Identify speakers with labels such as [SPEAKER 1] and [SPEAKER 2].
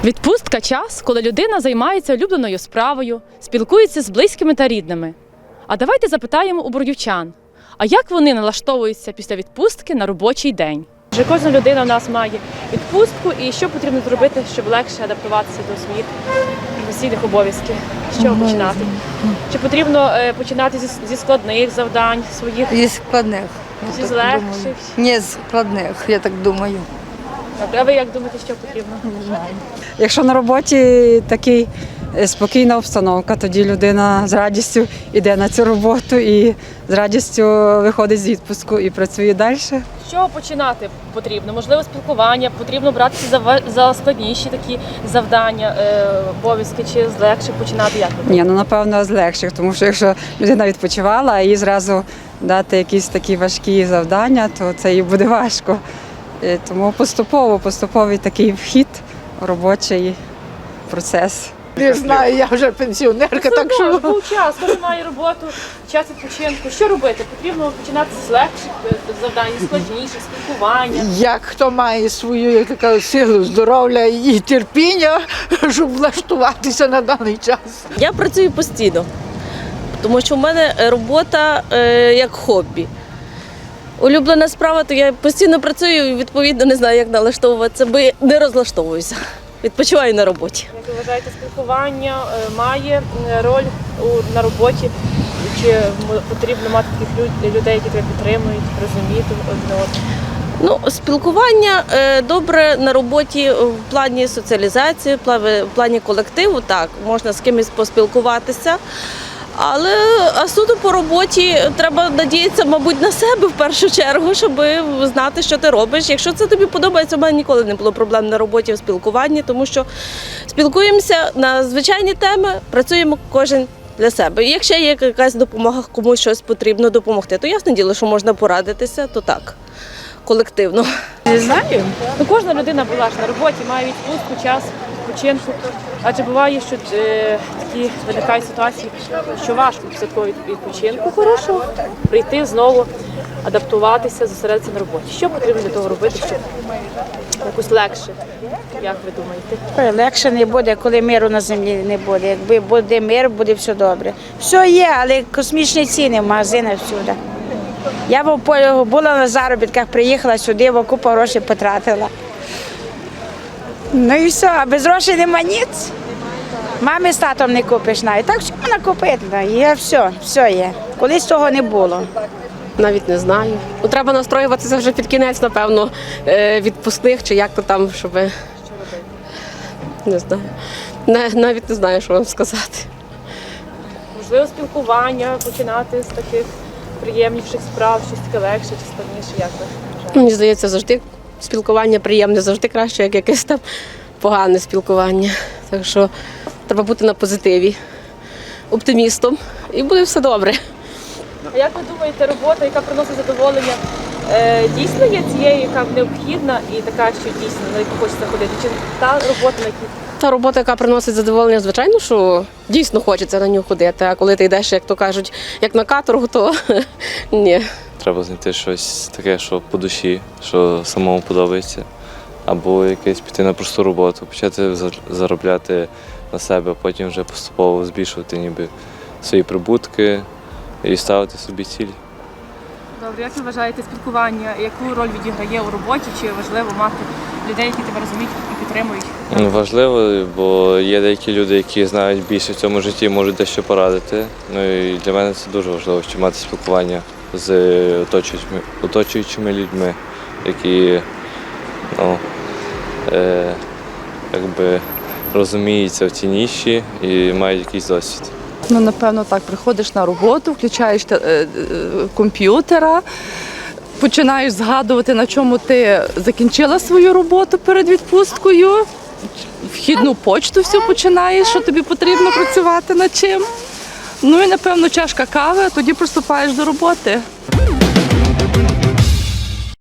[SPEAKER 1] Відпустка – час, коли людина займається улюбленою справою, спілкується з близькими та рідними. А давайте запитаємо у бродівчан, а як вони налаштовуються після відпустки на робочий день? Вже кожна людина у нас має відпустку, і що потрібно зробити, щоб легше адаптуватися до своїх професійних обов'язків? З чого починати? Чи потрібно починати зі складних завдань своїх?
[SPEAKER 2] Зі складних.
[SPEAKER 1] Чи з легших?
[SPEAKER 2] Ні, з складних, я так думаю.
[SPEAKER 1] А ви як думаєте, що потрібно?
[SPEAKER 2] Не знаю.
[SPEAKER 3] Якщо на роботі така спокійна обстановка, тоді людина з радістю йде на цю роботу і з радістю виходить з відпустку і працює далі.
[SPEAKER 1] З чого починати потрібно? Можливо, спілкування, потрібно братися за складніші такі завдання, обов'язки, чи з легших починати? Як?
[SPEAKER 3] Ні, напевно, з легших, тому що якщо людина відпочивала, а їй зразу дати якісь такі важкі завдання, то це їй буде важко. Тому поступовий такий вхід у робочий процес.
[SPEAKER 4] Не знаю, я вже пенсіонерка, так що...
[SPEAKER 1] Був час, кожен має роботу, час відпочинку. Що робити? Потрібно починати з легших завдань, складніших, спілкування.
[SPEAKER 4] Як хто має свою, як така, силу, здоров'я і терпіння, щоб влаштуватися на даний час.
[SPEAKER 5] Я працюю постійно, тому що в мене робота як хобі. Улюблена справа, то я постійно працюю і, відповідно, не знаю, як налаштовуватися, бо не розлаштовуюся. Відпочиваю на роботі.
[SPEAKER 1] Як ви вважаєте, спілкування має роль на роботі? Чи потрібно мати таких людей, які тебе підтримують, розуміти одне одного?
[SPEAKER 5] Ну, спілкування добре на роботі в плані соціалізації, в плані колективу, так, можна з кимось поспілкуватися. Але суто по роботі треба надіятися, мабуть, на себе в першу чергу, щоб знати, що ти робиш. Якщо це тобі подобається, у мене ніколи не було проблем на роботі в спілкуванні, тому що спілкуємося на звичайні теми, працюємо кожен для себе. І якщо є якась допомога, комусь щось потрібно допомогти, то ясне діло, що можна порадитися, то так, колективно.
[SPEAKER 1] Не знаю. Ну, кожна людина була ж на роботі, має відпустку, час відпочинку. Адже буває, що такі виникають ситуації, що важко після такого відпочинку хорошого прийти знову, адаптуватися, зосередитися на роботі. Що потрібно для того робити, щоб якось легше, як ви думаєте?
[SPEAKER 6] Легше не буде, коли миру на землі не буде. Якби буде мир, буде все добре. Все є, але космічні ціни в магазинах всюди. Я була на заробітках, приїхала сюди, бо купу грошей потратила. Ну і все, а без грошей нема ніц. Мамі з татом не купиш навіть. Так все можна купити, є все є. Колись того не було.
[SPEAKER 7] Навіть не знаю. Ну, треба настроюватися вже під кінець, напевно, відпускних чи як то там, щоб... Не знаю. Навіть не знаю, що вам сказати.
[SPEAKER 1] Можливо, спілкування, починати з таких приємніших справ, щось таке легше чи складніше, як ви вважаєте?
[SPEAKER 7] Мені здається, завжди спілкування приємне, завжди краще, як якесь там погане спілкування. Так що треба бути на позитиві, оптимістом, і буде все добре.
[SPEAKER 1] А як ви думаєте, робота, яка приносить задоволення, дійсно є цією, яка необхідна і така, що дійсно, на яку хочеться ходити? Чи та робота, на якій?
[SPEAKER 7] Та робота, яка приносить задоволення, звичайно, що дійсно хочеться на нього ходити, а коли ти йдеш, як то кажуть, як на каторгу, то ні.
[SPEAKER 8] Треба знайти щось таке, що по душі, що самому подобається. Або якесь піти на просту роботу, почати заробляти на себе, а потім вже поступово збільшувати ніби свої прибутки і ставити собі цілі.
[SPEAKER 1] Добре, як ви вважаєте, спілкування, яку роль відіграє у роботі, чи важливо мати людей, які тебе розуміють і підтримують?
[SPEAKER 8] Важливо, бо є деякі люди, які знають більше в цьому житті, можуть дещо порадити. Ну і для мене це дуже важливо, щоб мати спілкування з оточуючими людьми, які якби розуміються в цій ніші і мають якийсь досвід.
[SPEAKER 9] Ну, напевно, так, приходиш на роботу, включаєш комп'ютера, починаєш згадувати, на чому ти закінчила свою роботу перед відпусткою, вхідну почту все починаєш, що тобі потрібно працювати над чим. Ну і, напевно, чашка кави, а тоді приступаєш до роботи.